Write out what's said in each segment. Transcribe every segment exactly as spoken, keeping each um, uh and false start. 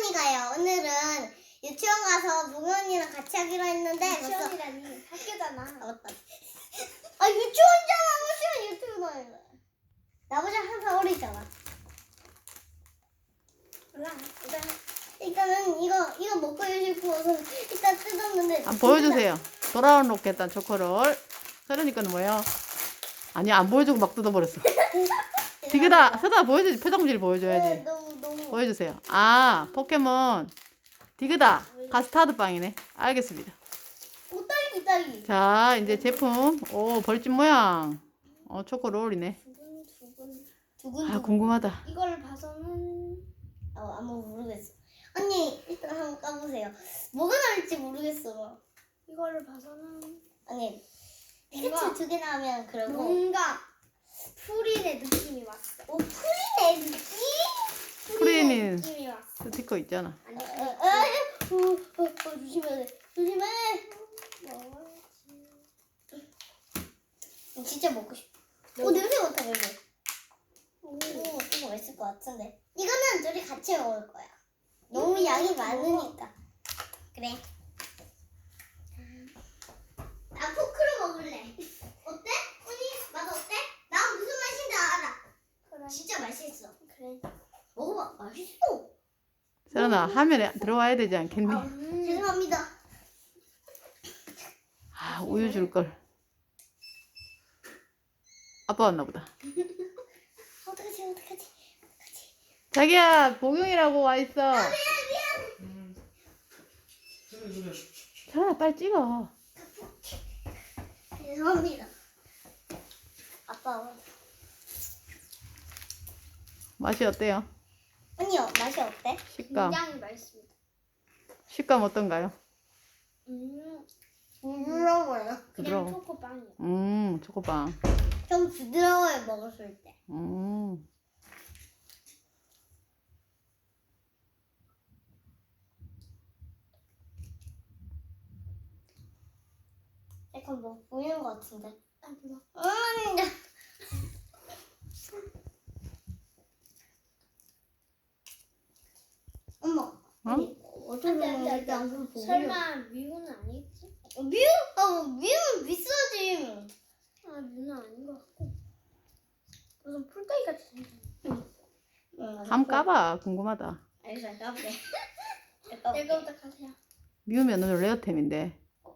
언니가요. 오늘은 유치원 가서 보경 언니랑 같이 하기로 했는데 유치원이라니 학교잖아. 아 맞다. 아 유치원이잖아. 무슨 유튜브 나요? 나보다 한 살 어리잖아. 몰라. 일단 일단은 이거 이거 먹고 싶어서 일단 뜯었는데. 한번 보여주세요. 돌아온 로켓단 초코롤. 그러니까는 뭐예요? 아니 안 보여주고 막 뜯어버렸어. 디그다 서다 보여주지. 표정질 보여줘야지. 너무 너무. 보여주세요. 아 포켓몬 디그다 카스타드 빵이네. 알겠습니다. 오 딸기 딸기. 자 이제 제품. 오 벌집 모양. 어 초코롤이네. 두근 두근. 두근. 아 궁금하다. 이걸 봐서는 어 아무 모르겠어. 언니 일단 한번 까보세요. 뭐가 나올지 모르겠어. 이거를 봐서는 아니 뭔가- 피카츄 두 개 나오면 그러고. 뭔가 프린의 느낌이 왔어. 오 프리네 느낌? 프린이 느낌이 왔어. 스티커 있잖아. 아니 어, 어, 어, 어, 어, 어, 조심해야 돼. 조심해. 진짜 먹고 싶어. 오 냄새 맡아 그래도. 오 이거 맛있을 것 같은데. 이거는 둘이 같이 먹을 거야. 너무 양이 많으니까. 그래. 나 포크로 먹을래. 어때? 언니 맛 어때? 나 무슨 맛인지 알아. 그래. 진짜 맛있어. 그래. 먹어봐. 맛있어. 세연아 화면에 들어와야 되지 않겠니? 아, 죄송합니다. 아 우유 줄 걸. 아빠 왔나 보다. 어떡하지 어떡하지 어떡하지. 자기야 복용이라고 와 있어. 자 빨리 찍어. 죄송합니다. 아빠 맛이 어때요? 언니요 맛이 어때? 식감. 굉장히 맛있습니다. 식감 어떤가요? 음, 부드러워요. 그냥 부드러워. 초코빵이야. 음 초코빵. 좀 부드러워요 먹었을 때. 음. 약간 뭐 보이는 것 같은데. 아, 몰라. 음. 엄마. 어? 아니, 어떻게 안 돼, 안 돼, 안 먹는지 돼. 안 보여. 설마 미우는 아니겠지? 뮤? 아 뮤는 비싸지. 아, 미우는 아닌 것 같고. 무슨 풀떼기 같이 생겼네. 한번 까봐. 궁금하다. 알겠어 까볼게. 까볼게. 이거부터 가세요. 미우면 오늘 레어템인데.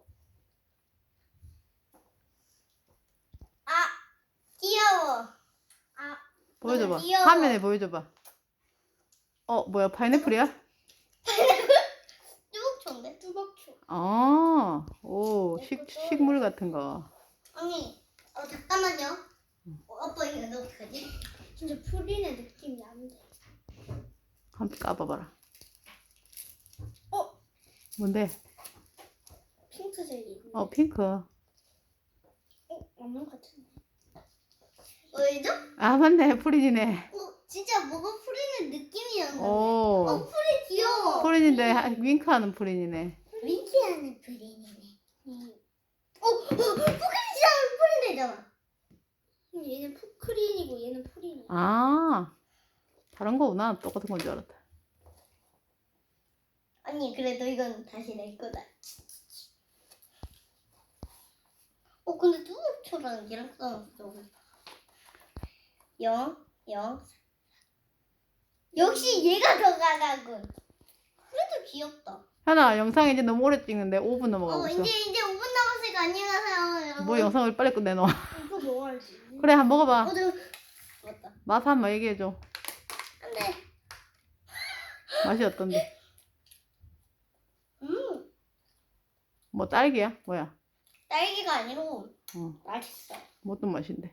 아 귀여워. 아, 보여줘봐. 너무 귀여워. 화면에 보여줘봐. 어 뭐야 파인애플이야? 뚜벅초인데? 뚜벅초. 아, 오 식, 식물 같은 거. 언니, 어 잠깐만요. 어, 아빠 이거 어떡하지? 진짜 프린의 느낌이 안 돼. 한번 까봐봐라. 어? 뭔데? 핑크색이. 어 핑크. 어? 없는 것 같은데. 왜죠? 아 맞네 프린이네. 어 진짜 뭐가 프리는 느낌이 나는데. 오 어 프리 귀여워. 프린인데 하- 윙크하는 프린이네. 윙키하는 프린이네. 음. 어, 어 포크리지랑 프린 되잖아. 얘는 푸크린이고 얘는 프린이야. 아 다른 거구나. 똑같은 건 줄 알았다. 언니 그래도 이건 다시 내 거다. 어 근데 뚜벅초랑 얘랑 싸웠어. 영, 영. 역시 얘가 더 강하군. 그래도 귀엽다. 현아 영상 이제 너무 오래 찍는데 오 분 넘어가고 어 있어. 이제 이제 오 분 남았으니까 안녕히 가세요 여러분. 뭐 영상을 빨리 끝내놔. 이거 먹어야지. 그래 한번 먹어봐. 어, 저... 맞다. 맛 한번 얘기해줘. 안돼. 맛이 어떤데? 음 뭐 딸기야? 뭐야? 딸기가 아니고 어, 맛있어. 뭐 어떤 맛인데?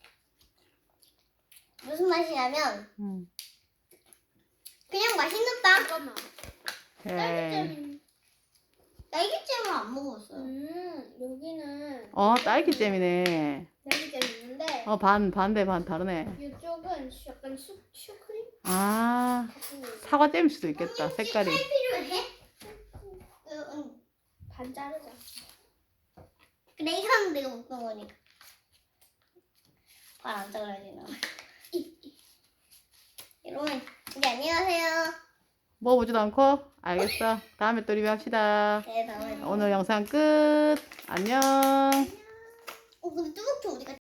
무슨 맛이냐면 음. 그냥 맛있는 빵. 잠깐만. 에이. 딸기잼. 딸기잼을 안 먹었어요. 음, 여기는 어 딸기잼이네. 딸기잼 있는데 어 반 반대 반 다르네. 이쪽은 슈- 약간 슈, 슈크림 아 같은 거. 사과잼일 수도 있겠다. 언니, 혹시 색깔이. 칼 필요해? 어, 응. 반 자르자. 그래 이거는 내가 먹던 거니까. 발 안 잘라야 되나? 여러분 이제 안녕하세요. 먹어보지도 않고? 알겠어. 다음에 또 리뷰합시다. 네, 다음에. 오늘 영상 끝. 안녕. 어, 근데 뚜벅이 우리가